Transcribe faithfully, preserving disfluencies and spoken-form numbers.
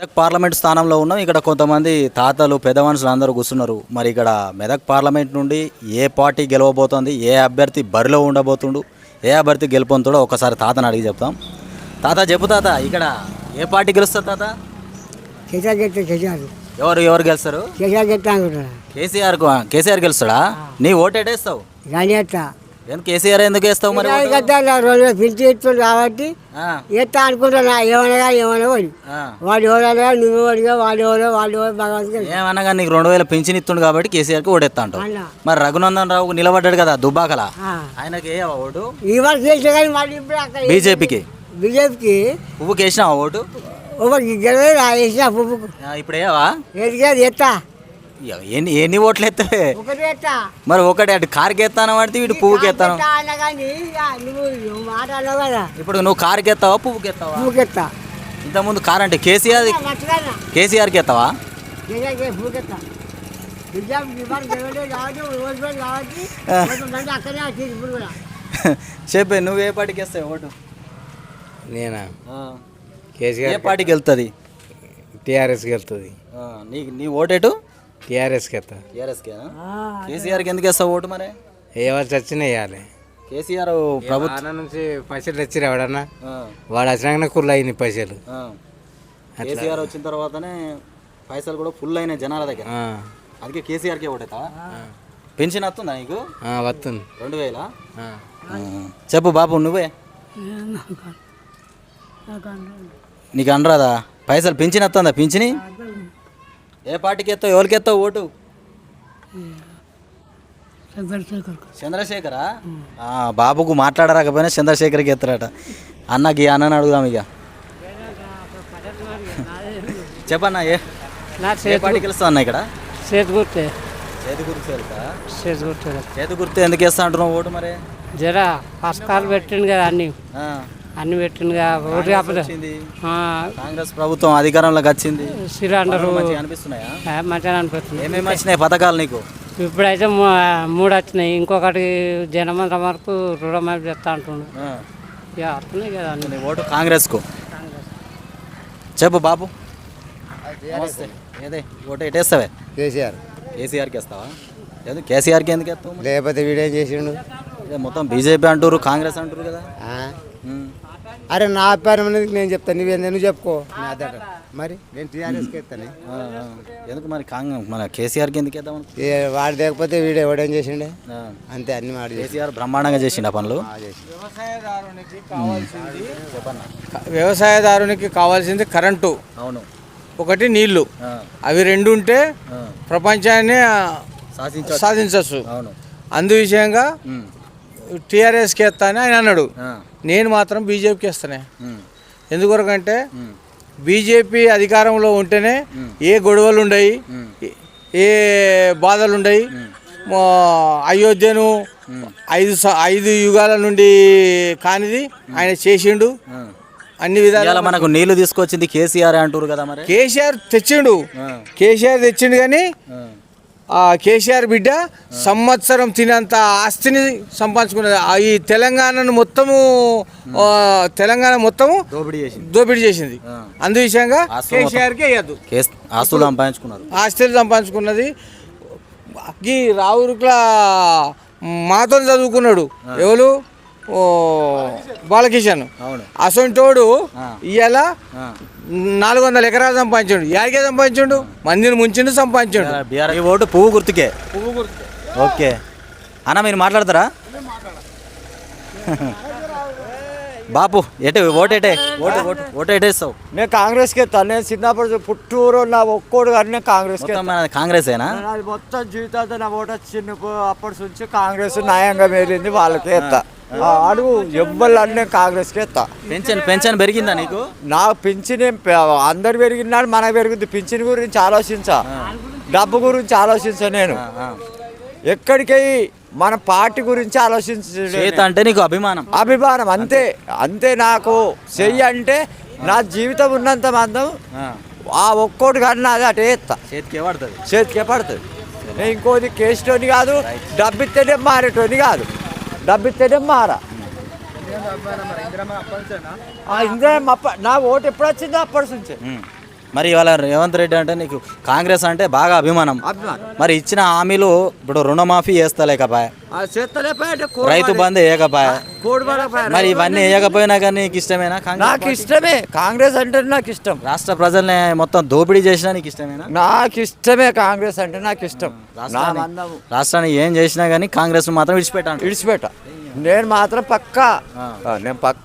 Parliament స్థానంలో ఉన్నాం. ఇక్కడ కొంతమంది తాతలు పెద్ద మనుషులు అందరూ కూర్చున్నారు. మరి ఇక్కడ మెదక్ పార్లమెంట్ నుండి ఏ పార్టీ గెలవబోతోంది, ఏ అభ్యర్థి బరిలో ఉండబోతుండు, ఏ అభ్యర్థి గెలుపొందుతాడో ఒకసారి తాతని అడిగి చెప్తాం. తాత చెప్పు తాత, ఇక్కడ ఏ పార్టీ గెలుస్తారు తాత? కేసీఆర్ గెలిస్తే కేసీఆర్ ఎవరు ఎవరు గెలుస్తారు? కేసీఆర్ గెలుస్తా అనుకుంటున్నా. కేసీఆర్ కేసీఆర్ గెలుస్తాడా? నీ ఓటు ఎటేస్తావు? కానీ ఎత్తా ఎందుకు కేసీఆర్ ఎందుకు వేస్తావు మరి? కదా రెండు పిలిచి ఇస్తుంది కాబట్టి ఎత్తా అనుకుంటున్నా. ఏమనగా ఏమన్నా వాడు వాడు ఎవరనగా నువ్వు వాడిగా వాళ్ళు ఎవరో వాళ్ళు ఎవరో భగవంతుడు ఏమనగా నీకు రెండు వేల పింఛన్ ఇస్తుండు కాబట్టి కేసీఆర్కి ఓటెత్తా అంటావు. మరి రఘునందన్ రావు నిలబడ్డాడు కదా దుబ్బాకల, ఆయనకి ఏ ఓటు? ఈ వరకు వేసా కానీ మళ్ళీ ఇప్పుడు అక్కడ బీజేపీకి బీజేపీకి పువ్వుకి వేసినావా ఓటు? గెలవే వేసిన పువ్వుకు ఇప్పుడు ఏవా ఏది ఎత్తా ఎన్ని ఎన్ని ఓట్లు ఎత్తావే? ఒకటి ఎత్తా. మరి ఒకటి అటు కారుకి ఎత్తాను పడితే ఇటు పువ్వుకి ఎత్తాను. నువ్వు మాట అన్నావు కదా, ఇప్పుడు నువ్వు కారుకి ఎత్తావా పువ్వుకి ఎత్తావా? పువ్వుకి ఎత్తా. ఇంతకుముందు కారు అంటే కేసీఆర్ కేసీఆర్కి ఎత్తావా? పువ్వుకి ఎత్తా. చెప్పే నువ్వు ఏ పార్టీకి వేస్తావు ఓటు? నేనా? కేసీఆర్ ఏ పార్టీకి వెళ్తుంది? టీఆర్ఎస్కి వెళ్తుంది. నీ నీ ఓటేటు? టీఆర్ఎస్కి వెళ్తా. టీఆర్ఎస్కేనా? కేసీఆర్కి ఎందుకు వేస్తావు ఓటు? మరి ఎవరు చచ్చిన వేయాలి. కేసీఆర్ ప్రభుత్వం నుంచి పైసలు తెచ్చిరా ఎవడన్నా, వాడు వచ్చినాకనే కుళ్ళు అయింది పైసలు. కేసీఆర్ వచ్చిన తర్వాతనే పైసలు కూడా ఫుల్ అయినాయి జనాల దగ్గర, అందుకే కేసీఆర్కే ఓటేస్తావా? పెన్షన్ వస్తుందా నీకు? వస్తుంది. రెండు వేల చెప్పు బాబు నువ్వే. నీకు అనరాదా పైసలు? పింఛన్ వస్తుందా? పింఛని ఏ పార్టీకి ఎత్తావు? ఎవరికి ఎత్తావు ఓటు? చంద్రశేఖరా? బాబుకు మాట్లాడరాకపోయినా చంద్రశేఖర్కి ఎత్తారట. అన్నకి అన్నని అడుగుదాం ఇక. చెప్పన్నా ఏ ఏ పార్టీకి వెళ్తా అన్న? ఇక్కడ చేతి గుర్తే. చేతి గుర్తు వెళ్తా? చేతి గుర్తు. చేతి గుర్తు ఎందుకు వేస్తా అంటున్నావు ఓటు? మరి జరా పథకాలు పెట్టిండు కదా, అన్ని అన్ని పెట్టిండు కదా ఓటు. కాంగ్రెస్ ప్రభుత్వం అధికారంలోకి వచ్చింది, సిలిండర్ అనిపిస్తున్నాయా? మంచిగా అనిపిస్తుంది. ఏమేమి వచ్చినాయి పథకాలు నీకు? ఇప్పుడైతే మూడు వచ్చినాయి, ఇంకొకటి జనమంత వరకు రుణమాఫీ చేస్తా అంటుండు. ఇక వస్తున్నాయి కదా నీ ఓటు కాంగ్రెస్కు. చెప్పు బాబు. నమస్తే. ఏదే ఓటు ఎటేస్తావే? కేసీఆర్. కేసీఆర్కి వేస్తావా? ఎందుకు కేసీఆర్కి ఎందుకు వేస్తావు? లేకపోతే వీడేం చేసిండు? మొత్తం బీజేపీ అంటారు, కాంగ్రెస్ అంటారు కదా. అరే నా అభిప్రాయం అనేది నేను చెప్తాను, నువ్వు నువ్వు చెప్పుకో. మరి నేను టీఆర్ఎస్కి వేస్తాను. ఎందుకు మరి కాంగ్రెస్ మన కేసీఆర్కి ఎందుకు వేద్దాం? వాడు లేకపోతే వీడు ఎవడేం చేసిండే అంతే. అన్ని మాట కేసీఆర్ బ్రహ్మాండంగా చేసిండు ఆ పనులు. వ్యవసాయదారునికి కావాల్సింది వ్యవసాయదారునికి కావాల్సింది కరెంటు, అవును, ఒకటి నీళ్లు. అవి రెండు ఉంటే ప్రపంచాన్ని సాధించవచ్చు. అందు విషయంగా టీఆర్ఎస్కి వేస్తా అని ఆయన అన్నాడు. నేను మాత్రం బీజేపీకి వేస్తానే. ఎందుకొరకంటే బీజేపీ అధికారంలో ఉంటేనే ఏ గొడవలు ఉండయి, ఏ బాధలు ఉండయి. అయోధ్యను ఐదు ఐదు యుగాల నుండి కానిది ఆయన చేసిండు. అన్ని విధాలు మనకు నీళ్లు తీసుకొచ్చింది కేసీఆర్ అంటారు కదా. మరి కేసీఆర్ తెచ్చిండు, కేసీఆర్ తెచ్చిండు కానీ ఆ కేసీఆర్ బిడ్డ సంవత్సరం తినంత ఆస్తిని సంపాదించుకున్నది. ఈ తెలంగాణను మొత్తము తెలంగాణ మొత్తము దోపిడీ చేసింది. అందు విషయంగా కేసీఆర్కి వేయద్దు. ఆస్తులు సంపాదించుకున్నారు, ఆస్తులు సంపాదించుకున్నది. ఈ రావురుకుల మాతో చదువుకున్నాడు ఎవరు? ఓ బాలకిషన్. అసొంటోడు ఇవాళ నాలుగు వందల ఎకరాలు సంపాదించాడు. యాడికే సంపాదించాడు? మందిని ముంచిండు, సంపాదించాడు. ఈ ఓటు పువ్వు గుర్తుకే. పువ్వు గుర్తుకే. ఓకే అన్న, మీరు మాట్లాడతారా? బాపు ఎటే ఓటు ఎటే ఓటు ఓటు ఓటు ఎటేస్తావు? నేను కాంగ్రెస్కి ఎత్తాను. నేను చిన్నప్పుడు పుట్టూరు నా ఒక్కోడు కానీ నేను కాంగ్రెస్కి కాంగ్రెసేనా? మొత్తం జీవితాంతో నా ఓటు వచ్చింది. అప్పటి నుంచి కాంగ్రెస్ న్యాయంగా మేలింది, వాళ్ళకే ఎత్తా. అడుగు ఎవ్వరు అని నేను కాంగ్రెస్కి ఎత్తా. పెన్షన్ పెన్షన్ పెరిగిందా నీకు? నాకు పింఛన్ అందరు పెరిగినాడు, మనకు పెరుగుద్ది. పింఛన్ గురించి ఆలోచించా, డబ్బు గురించి ఆలోచించా. నేను ఎక్కడికి మన పార్టీ గురించి ఆలోచించ అంటే నీకు అభిమానం అభిమానం అంతే అంతే. నాకు చెయ్యి అంటే నా జీవితం ఉన్నంత మందం ఆ ఒక్కోటి కన్నా అది అటే ఎత్తా. చేతికే పడుతుంది, చేతికే పడుతుంది. నేను ఇంకోది కేసుతోని కాదు, డబ్బిస్తేనే మారేటోని కాదు, డబ్బిస్తేనే మారా. ఇంద్రమ్మ అప్ప నా ఓటు ఎప్పుడు వచ్చిందో అప్పటి నుంచే మరి ఇవాళ రేవంత్ రెడ్డి అంటే నీకు కాంగ్రెస్ అంటే బాగా అభిమానం. అభిమానం. మరి ఇచ్చిన హామీలు ఇప్పుడు రుణమాఫీ చేస్తలేకపాయ, ఆ చేస్తలేపాయంటే రైతు బంధు వేయకపాయ, మరి ఇవన్నీ వేయకపోయినా కానీ నీకు ఇష్టమేనా కాంగ్రెస్ నాకు పార్టీ? ఇష్టమే కాంగ్రెస్ అంటే నాకు ఇష్టం. రాష్ట్ర ప్రజల్ని మొత్తం దోపిడీ చేసినా నీకు ఇష్టమేనా? నాకు ఇష్టమే కాంగ్రెస్ అంటే నాకు ఇష్టం. నా రాష్ట్రాన్ని మందము రాష్ట్రాన్ని ఏం చేసినా కానీ కాంగ్రెస్ మాత్రం విడిచిపెట్టాను. విడిచిపెట్ట. నేను మాత్రం పక్కా నేను పక్క